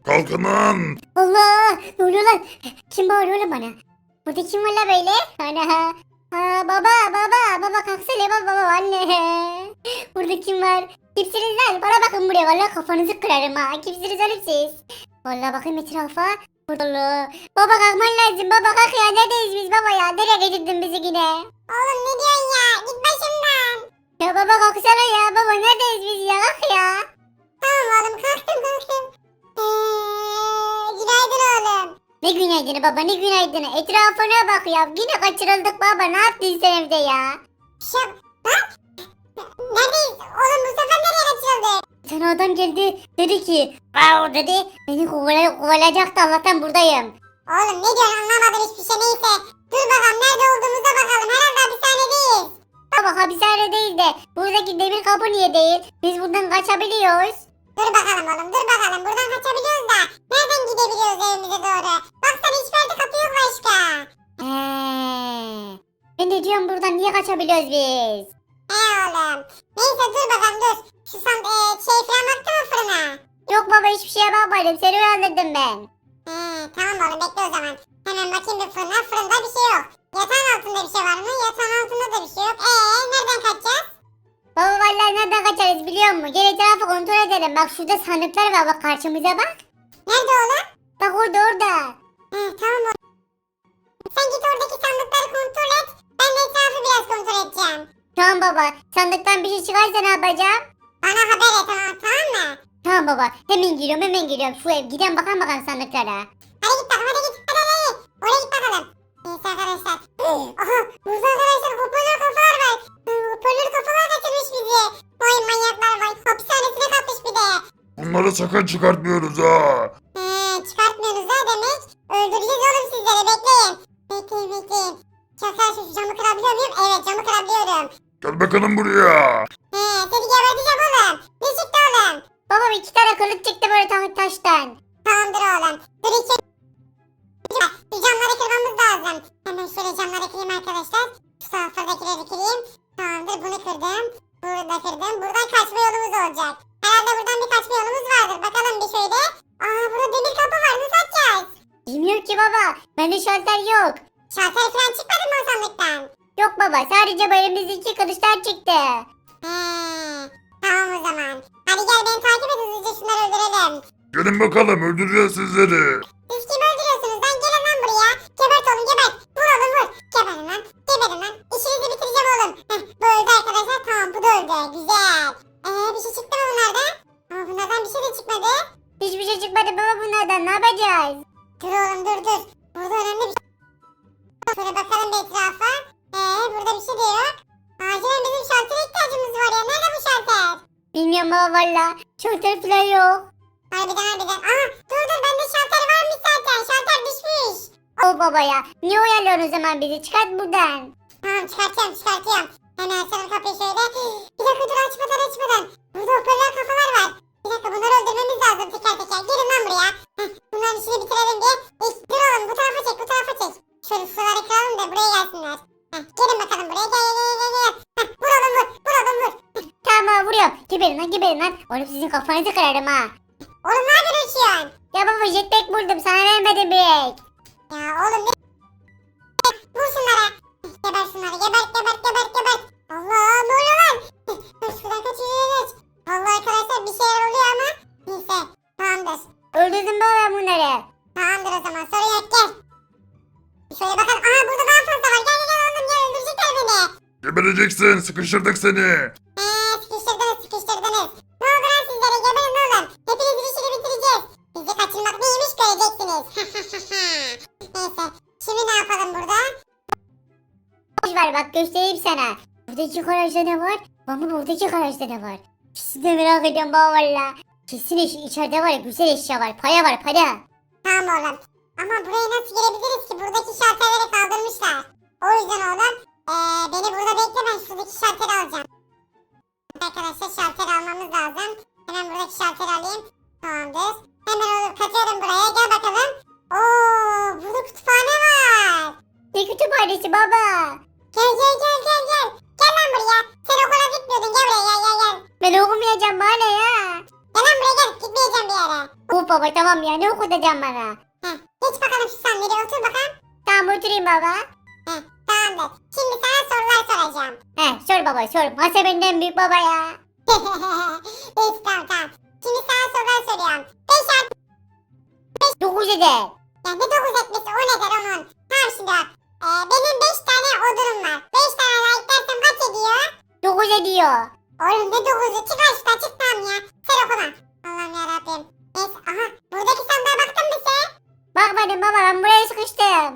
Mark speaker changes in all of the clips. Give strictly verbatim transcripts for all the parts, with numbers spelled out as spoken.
Speaker 1: Kalkın lan.
Speaker 2: Allah! Ne oluyor lan? Kim bağırıyor lan bana? Burada kim var la böyle? Ana! Ha, baba baba baba kalksana baba baba anne. Burada kim var? Kimsiniz lan? Bana bakın buraya vallahi kafanızı kırarım ha. Kimsiniz oğlum siz? Vallahi bakayım etrafa. Burada. Baba kalkman lazım baba kalk ya neredeyiz biz baba ya? Nereye getirdin bizi yine?
Speaker 3: Oğlum ne diyorsun ya? Git başımdan.
Speaker 2: Ya baba kalksana ya baba neredeyiz biz ya kalk ya.
Speaker 3: Tamam oğlum kalktım kalktım. Eee, günaydın oğlum.
Speaker 2: Ne günaydını baba ne günaydını etrafına bak ya yine kaçırıldık baba ne yaptın sen evde ya?
Speaker 3: Şap. Lan. Neredeyiz? Oğlum bu sefer nereye kaçırıldık?
Speaker 2: Bir tane adam geldi dedi ki wow dedi beni kovala, kovalayacaktı Allah'tan buradayım.
Speaker 3: Oğlum ne diyorsun anlamadım hiçbir şey neyse. Dur bakalım nerede olduğumuza bakalım. Herhalde hapishanedeyiz.
Speaker 2: Baba hapishane değil de buradaki demir kapı niye değil? Biz buradan kaçabiliyoruz.
Speaker 3: Dur bakalım oğlum dur bakalım. Buradan kaçabiliyoruz da. Nereden gidebiliyoruz evimize doğru? Baksana hiçbir yerde kapı yok başka.
Speaker 2: Heee. Ben de diyorum buradan niye kaçabiliyoruz biz?
Speaker 3: He oğlum. Neyse dur bakalım dur. Şu san e, şey falan baktı mı fırına?
Speaker 2: Yok baba hiçbir şeye bakmadım seni uyandırdım ben.
Speaker 3: He tamam oğlum bekle o zaman. Hemen bakayım bir fırına. Fırında bir şey yok. Yatağın altında bir şey var mı? Yatağın altında da bir şey yok. Eee nereden kaçacağız?
Speaker 2: Baba vallahi nereden kaçarız biliyor musun? Gel etrafı kontrol edelim. Bak şurada sandıklar var bak karşımıza bak.
Speaker 3: Nerede oğlum?
Speaker 2: Bak orada orada.
Speaker 3: He tamam oğlum. Sen git oradaki sandıkları kontrol et. Ben de etrafı biraz kontrol edeceğim.
Speaker 2: Tamam baba sandıktan bir şey çıkarsa ne yapacağım?
Speaker 3: Bana haber et tamam, tamam mı?
Speaker 2: Tamam baba hemen giriyorum hemen giriyorum. Şu ev gidelim bakalım bakalım sandıklara.
Speaker 3: Hadi git bakalım hadi git. Hadi hadi hadi. Oraya git bakalım. Neyse arkadaşlar. Aha burada arkadaşlar hoparlör kafalar var. Hı, Hoparlör kafalar kaçırmış bizi. Vay manyaklar vay. Hapishanesine katmış bir de.
Speaker 1: Bunları sakın çıkartmıyoruz ha.
Speaker 3: He çıkartmıyorsunuz ha demek. Öldüreceğiz oğlum sizleri bekleyin. Bekleyin bekleyin. Çakar şu camı kırabiliyor muyum? Evet camı kırabiliyorum.
Speaker 1: Gel bakalım buraya.
Speaker 3: He seni geberteceğim oğlum. Ne çıktı oğlum?
Speaker 2: Baba iki tane kılıç çıktı böyle ta- taştan.
Speaker 3: Tamamdır oğlum. Dur iki. Şu camları kırmamız lazım. Hemen şöyle camları kırayım arkadaşlar. Şu taraflardakileri kırayım. Tamamdır bunu kırdım. Bunu da kırdım. Buradan kaçma yolumuz olacak. Herhalde buradan bir kaçma yolumuz vardır. Bakalım bir şöyle. Aa burada demir kapı var. Nasıl açacağız?
Speaker 2: Bilmiyorum ki baba. Bende şalter yok.
Speaker 3: Şalter falan çıkmadı mı o sandıktan?
Speaker 2: Yok baba sadece bu elimizde kılıçlar çıktı.
Speaker 3: Heee. Tamam o zaman. Hadi gel beni takip et hızlıca şunları öldürelim.
Speaker 1: Gelin bakalım öldüreceğiz sizleri.
Speaker 3: Siz kimi öldürüyorsunuz lan? Gelin lan buraya. Gebert oğlum gebert. Vur oğlum vur. Geberin lan. Geberin lan. İşinizi bitireceğim oğlum. Heh, bu öldü arkadaşlar. Tamam bu da öldü. Güzel. Eee bir şey çıktı mı bunlardan? Ama bunlardan bir şey de çıkmadı.
Speaker 2: Hiçbir şey çıkmadı baba bunlardan ne yapacağız?
Speaker 3: Dur oğlum dur dur. Burada önemli bir şey. Şöyle bakalım bir etrafa. Eee burada bir şey de yok. Acilen bizim şaltere ihtiyacımız var ya. Nerede bu şalter?
Speaker 2: Bilmiyorum baba valla. Şalter falan yok.
Speaker 3: Harbiden harbiden. Aha dur dur bende şalter varmış zaten. Şalter düşmüş.
Speaker 2: O baba ya. Niye uyarıyorsun o zaman bizi? Çıkart buradan.
Speaker 3: Tamam çıkartıyorum çıkartıyorum. Hemen açalım kapıyı şöyle. Bir dakika dur açmadan açmadan. Burada hoparlör kafalar var. Bir dakika bunları öldürmemiz lazım teker teker. Gelin lan buraya. Heh, bunların işini bitirelim diye. İlk, dur oğlum bu tarafa çek bu tarafa çek. Şöyle suları kıralım da buraya gelsinler. Heh, gelin bakalım buraya gel gel gel gel. gel. Heh, vur oğlum vur vur oğlum vur.
Speaker 2: Tamam vuruyorum. Geberin lan geberin lan. Oğlum sizin kafanızı kırarım ha.
Speaker 3: Oğlum ne yapıyorsun uçuyorsun?
Speaker 2: Ya baba jetpack buldum sana vermedim direkt.
Speaker 3: Ya oğlum ne? Vur şunlara. Geber şunları gebert gebert gebert gebert. Allah ne oluyor lan? Dur şuradan kaç yürü geç. Vallahi arkadaşlar bir şeyler oluyor ama. Neyse tamamdır.
Speaker 2: Öldürdüm baba ben bunları.
Speaker 3: Tamamdır o zaman sorun yok gel. Şöyle bakalım. Aha burada daha fazla var. Gel gel gel oğlum gel öldürecekler beni.
Speaker 1: Gebereceksin sıkıştırdık seni.
Speaker 3: Eee sıkıştırdınız sıkıştırdınız. Ne oldu lan sizlere geberin oğlum. Hepinizin işini bitireceğiz. Bizi kaçırmak neymiş göreceksiniz. Neyse şimdi ne yapalım burada?
Speaker 2: Boş ver bak göstereyim sana. Buradaki garajda ne var? Ama buradaki garajda ne var? İkisini de merak ediyorum baba valla. Kesin iç- içeride var ya güzel eşya var. Para var para.
Speaker 3: Tamam oğlum. Ama buraya nasıl girebiliriz ki? Buradaki şalterleri kaldırmışlar. O yüzden oğlum eee, beni burada bekle ben şuradaki şalteri alacağım. Arkadaşlar şalter almamız lazım. Hemen buradaki şalteri alayım. Tamamdır. Hemen oğlum katıyorum buraya. Gel bakalım. Oo, burada kütüphane var.
Speaker 2: Ne kütüphanesi baba.
Speaker 3: Gel gel gel gel gel. Gel lan buraya. Sen okula gitmiyordun. Gel buraya gel gel gel.
Speaker 2: Ben okumayacağım bana ya.
Speaker 3: Gel lan buraya gel. Gitmeyeceğim bir yere.
Speaker 2: Uf baba tamam ya ne okutacağım bana?
Speaker 3: Heh, geç bakalım şu sandalye otur bakalım.
Speaker 2: Tamam oturayım baba.
Speaker 3: Heh, tamamdır. Şimdi sana sorular soracağım.
Speaker 2: He sor baba sor. Masa benden büyük baba ya.
Speaker 3: Neyse tamam tamam. Şimdi sana sorular soruyorum. beş artı
Speaker 2: Dokuz eder.
Speaker 3: yani ne dokuz etmesi o nedir onun? Tamam şimdi bak. Ee, benim beş tane odunum var. beş tane like dersem kaç ediyor?
Speaker 2: Dokuz ediyor.
Speaker 3: Oğlum ne dokuzu? Çık aşkına çık tamam ya. Sen okuma. Allah'ım yarabbim. Neyse aha. Buradaki sandığa baktın mı sen?
Speaker 2: Bakmadım baba ben buraya sıkıştım.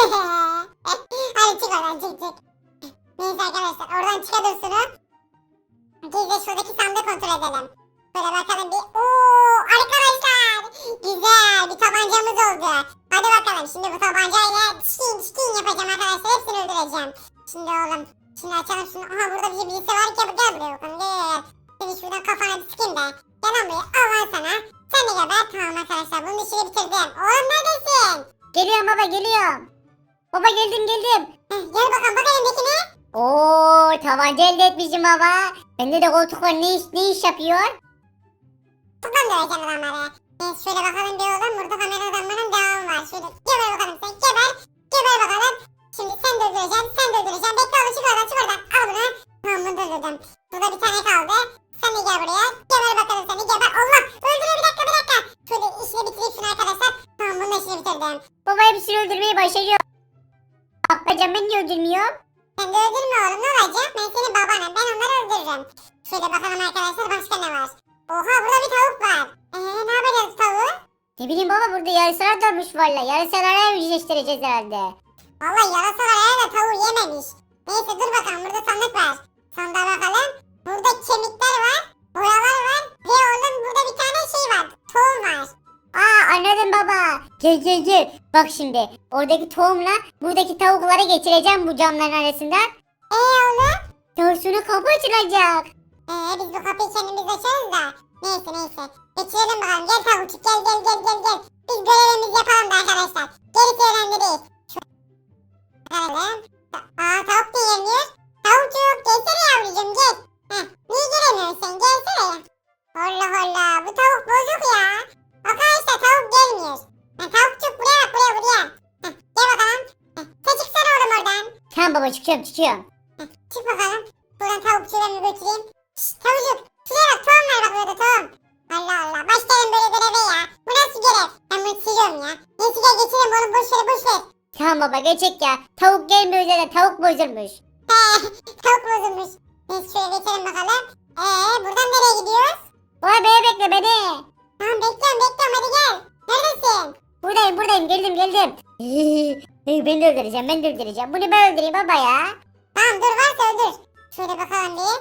Speaker 3: Hadi çık oradan çık çık. Neyse arkadaşlar oradan çıkabilirsiniz. Biz de şuradaki sandığı kontrol edelim. Böyle bakalım bir. Ooo arkadaşlar. Güzel bir tabancamız oldu. Hadi bakalım şimdi bu tabancayla çikin çikin yapacağım arkadaşlar. Hepsini öldüreceğim. Şimdi oğlum. Şimdi açalım şunu. Aha burada bir birisi var ki gel buraya bakalım gel. Seni şuradan kafana bir sıkayım da. Gel lan buraya al lan sana. Sen de geber. Tamam arkadaşlar bunun işini bitirdim. Oğlum neredesin?
Speaker 2: Geliyorum baba geliyorum. Baba geldim geldim.
Speaker 3: Heh, gel bakalım bak elimdekini.
Speaker 2: Oo tabanca elde etmişim baba. Bende de koltuk var ne iş, ne iş yapıyor?
Speaker 3: Buradan döveceğim adamları. Neyse şöyle bakalım bir oğlum. Burada kamera adamların devamı var. Şöyle geber bakalım sen geber. Geber bakalım. Şimdi sen de öldüreceksin. Sen de öldüreceksin. Bekle oğlum çık oradan çık oradan. Al bunu. Tamam bunu da öldürdüm. Burada bir tane kaldı. Sen de gel buraya. Geber bakalım seni geber. Allah öldürüyor bir dakika bir dakika. Şöyle işini bitireyim şunu arkadaşlar. Tamam bunun da işini bitirdim.
Speaker 2: Baba hepsini öldürmeyi başarıyor. Bak hocam ben niye öldürmüyorum?
Speaker 3: Sen de öldürme oğlum ne olacak? Ben senin babanım. Ben onları öldürürüm. Şöyle bakalım arkadaşlar başka ne var? Oha burada bir tavuk var. Eee ne yapacağız tavuğu?
Speaker 2: Ne bileyim baba burada yarısalar dönmüş valla. Yarısalara yüzleştireceğiz herhalde.
Speaker 3: Vallahi yarasalar herhalde tavuğu yememiş. Neyse dur bakalım burada sandık var. Sandığa bakalım. Burada kemikler var. Boyalar var. Ve oğlum burada bir tane şey var. Tohum var.
Speaker 2: Aa anladım baba. Gel gel gel. Bak şimdi oradaki tohumla buradaki tavukları geçireceğim bu camların arasından.
Speaker 3: Eee oğlum?
Speaker 2: Daha sonra kapı açılacak.
Speaker 3: Eee biz bu kapıyı kendimiz açarız da. Neyse neyse. Geçirelim bakalım. Gel tavukçuk gel gel gel gel gel. Biz görevimizi yapalım da arkadaşlar. Gerisi önemli değil. Bakalım. Aa tavuk da yemiyor. Tavukçuk gelsene yavrucuğum gel. Heh, niye gelemiyorsun sen gelsene ya. Allah Allah bu tavuk bozuk ya. Arkadaşlar tavuk gelmiyor. Ha, tavukçuk buraya bak buraya buraya. Heh, gel bakalım. Heh, sen çıksana oğlum oradan.
Speaker 2: Tamam baba çıkıyorum çıkıyorum.
Speaker 3: Heh, çık bakalım. Buradan tavukçuyu ben bir götüreyim. Şşt tavukçuk. Şuraya bak tohum var bak burada tohum. Allah Allah başlayalım böyle göreve ya. Bu nasıl görev? Ben bunu siliyorum ya. Neyse gel geçelim oğlum boş ver boş ver.
Speaker 2: Tamam baba geçek ya. Tavuk gelmiyor zaten tavuk bozulmuş.
Speaker 3: He, tavuk bozulmuş. Neyse şöyle geçelim bakalım. Eee buradan nereye gidiyoruz?
Speaker 2: Baba beni bekle beni.
Speaker 3: Tamam bekliyorum bekliyorum hadi gel. Neredesin?
Speaker 2: Buradayım buradayım geldim geldim. Ben de öldüreceğim ben de öldüreceğim. Bunu ben öldüreyim baba ya.
Speaker 3: Tamam dur varsa öldür. Şöyle bakalım bir.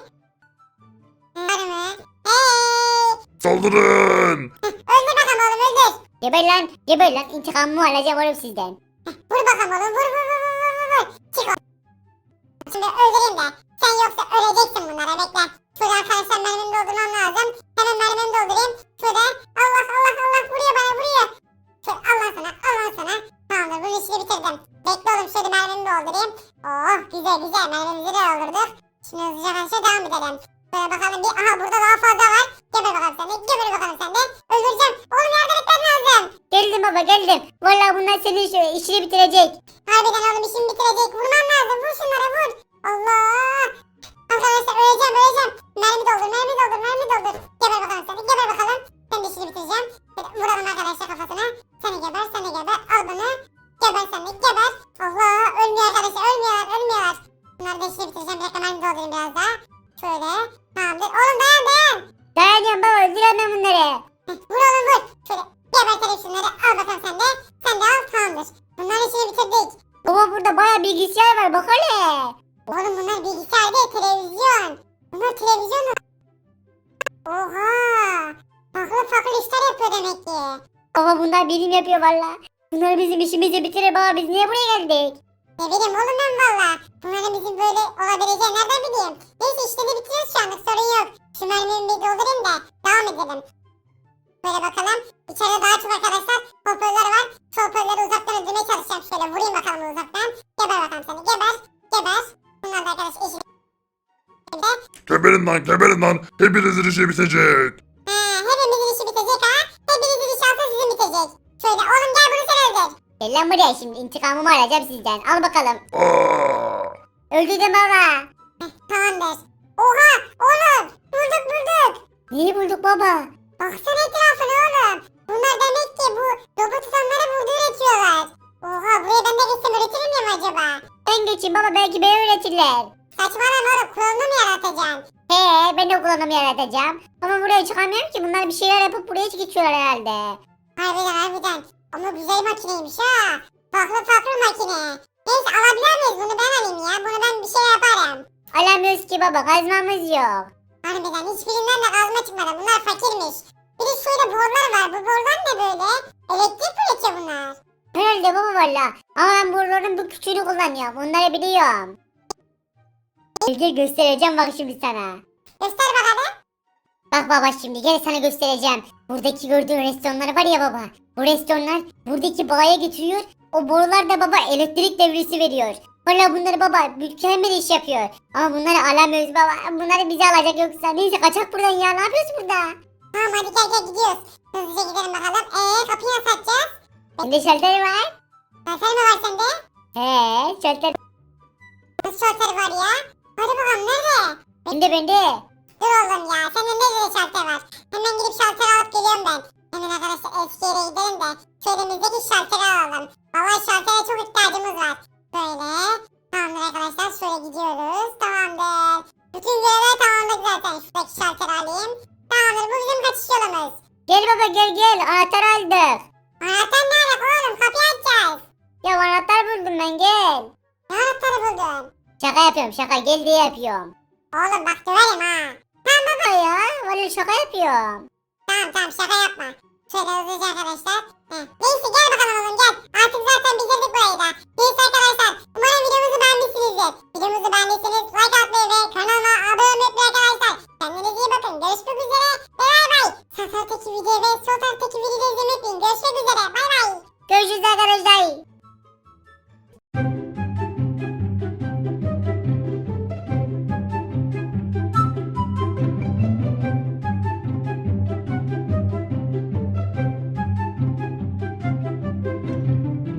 Speaker 3: Var mı? Hey!
Speaker 1: Saldırın.
Speaker 3: Öldür bakalım oğlum öldür.
Speaker 2: Geber lan geber lan intikamımı alacağım oğlum sizden.
Speaker 3: Vur bakalım oğlum vur vur vur vur vur vur. Çık oğlum. Şimdi öldüreyim de. Sen yoksa öleceksin bunlara bekle. Şurada arkadaşlar mermimi doldurmam lazım. Hemen mermimi doldurayım. Şurada. Allah Allah Allah vuruyor bana vuruyor. Şöyle Allah sana Allah sana. Tamamdır bunun işini bitirdim. Bekle oğlum şöyle mermimi doldurayım. Oh güzel güzel mermimizi de doldurduk. Şimdi hızlıca karşıya devam edelim. Şöyle bakalım bir. Aha burada daha fazla var. Geber bakalım sen de. Geber bakalım sen de. Öldüreceğim. Oğlum yardım etmen lazım.
Speaker 2: Geldim baba geldim. Vallahi bunlar senin işi- işini bitirecek.
Speaker 3: Harbiden oğlum işimi bitirecek. Vurman lazım. Vur şunlara vur. Allah. Arkadaşlar öleceğim öleceğim. Mermi doldur mermi doldur mermi doldur. Geber bakalım sen de. Geber bakalım. Sen de işini bitireceğim. Şöyle vuralım arkadaşlar kafasına. Sen de geber sen de geber. Al bunu. Geber sen de geber. Allah. Ölmüyor arkadaşlar. Ölmüyorlar ölmüyorlar. Bunları da işini bitireceğim. Bir dakika mermi doldurayım biraz daha. Şöyle. Tamamdır. Oğlum dayan dayan.
Speaker 2: Dayanıyorum baba öldüremem bunları.
Speaker 3: Heh, vur oğlum vur. Şöyle gebertelim şunları. Al bakalım sen de. Sen de al tamamdır. Bunların işini bitirdik.
Speaker 2: Baba burada baya bilgisayar var bak hele.
Speaker 3: Oğlum bunlar bilgisayar değil televizyon. Bunlar televizyon. Oha. Farklı farklı işler yapıyor demek ki.
Speaker 2: Baba bunlar bilim yapıyor valla. Bunlar bizim işimizi bitirir baba biz niye buraya geldik?
Speaker 3: Ne bileyim oğlum ben valla. Bunların bizim böyle olabileceğini nereden bileyim. Neyse işleri bitiriyoruz şu anlık sorun yok. Şu mermimi bir doldurayım da devam edelim. Böyle bakalım. İçeride daha çok arkadaşlar hoparlör var. Şu hoparlörleri uzaktan öldürmeye çalışacağım. Şöyle vurayım bakalım uzaktan. Geber bakalım seni. Geber. Geber. Bunlar da arkadaş işi.
Speaker 1: Geberin lan geberin lan. Hepinizin işi bitecek.
Speaker 3: Ha, hepimizin işi bitecek ha. Hepinizin Şöyle oğlum gel bunu sen öldür.
Speaker 2: Gel lan buraya şimdi intikamımı alacağım sizden. Al bakalım.
Speaker 1: Aa!
Speaker 2: Öldürdüm baba.
Speaker 3: Tamamdır. Oha oğlum bulduk bulduk.
Speaker 2: Neyi bulduk baba?
Speaker 3: Baksana etrafına oğlum. Bunlar demek ki bu robot tutanları burada üretiyorlar. Oha buraya ben de geçsem üretir miyim acaba?
Speaker 2: Ben geçeyim baba belki beni öğretirler.
Speaker 3: Saçmalama oğlum klonunu mu yaratacaksın?
Speaker 2: He ben de kullanımı yaratacağım. Ama buraya çıkamıyorum ki bunlar bir şeyler yapıp buraya geçiyorlar herhalde.
Speaker 3: Harbiden harbiden. Ama güzel makineymiş ha. Farklı farklı makine. Neyse alabilir miyiz bunu ben alayım ya. Bunu ben bir şey yaparım.
Speaker 2: Alamıyoruz ki baba kazmamız yok.
Speaker 3: Harbiden hiçbirinden de kazma çıkmadı. Bunlar fakirmiş. Bir de şöyle borlar var. Bu borlar ne böyle? Elektrik mi üretiyor bunlar?
Speaker 2: Herhalde baba valla. Ama ben buraların bu küçüğünü kullanıyorum. Onları biliyorum. Gel gel göstereceğim bak şimdi sana.
Speaker 3: Göster bakalım.
Speaker 2: Bak baba şimdi gel sana göstereceğim. Buradaki gördüğün restoranlar var ya baba. Bu restoranlar buradaki bağa getiriyor. O borular da baba elektrik devresi veriyor. Valla bunları baba mükemmel iş yapıyor. Ama bunları alamıyoruz baba. Bunları bize alacak yoksa. Neyse kaçak buradan ya. Ne yapıyoruz burada?
Speaker 3: Tamam hadi gel gel gidiyoruz. Hızlıca gidelim bakalım. Eee kapıyı nasıl açacağız?
Speaker 2: Bende şalter var.
Speaker 3: Şalter mi var sende?
Speaker 2: He şalter.
Speaker 3: Nasıl şalter var ya? Hadi bakalım nerede?
Speaker 2: Bende bende.
Speaker 3: Dur oğlum ya. Sende nerede şalter var? Hemen gidip şalter alıp geliyorum ben. Hemen arkadaşlar eski yere gidelim de şöylemizdeki şalteri alalım. Vallahi şaltere çok ihtiyacımız var. Böyle. Tamamdır arkadaşlar. Şöyle gidiyoruz. Tamamdır. Bütün görevler tamamladık zaten. Şuradaki şalteri alayım. Tamamdır. Bu bizim kaçış yolumuz.
Speaker 2: Gel baba gel gel. Anahtar aldık.
Speaker 3: Anahtar ne alaka oğlum? Kapıyı açacağız.
Speaker 2: Ya anahtar buldum ben gel.
Speaker 3: Ne anahtarı buldun?
Speaker 2: Şaka yapıyorum şaka gel diye yapıyorum.
Speaker 3: Oğlum bak döverim ha.
Speaker 2: Baba ya valla şaka yapıyorum.
Speaker 3: Tamam tamam şaka yapma. Şöyle hızlıca arkadaşlar. Heh. Neyse gel bakalım oğlum gel. Artık zaten bitirdik burayı da. Neyse arkadaşlar. Umarım videomuzu beğenmişsinizdir. Videomuzu beğendiyseniz like atmayı ve kanalıma abone olmayı unutmayın arkadaşlar. Kendinize iyi bakın. Görüşmek üzere. Ve bay bay. Sağ taraftaki videoyu ve sol taraftaki videoyu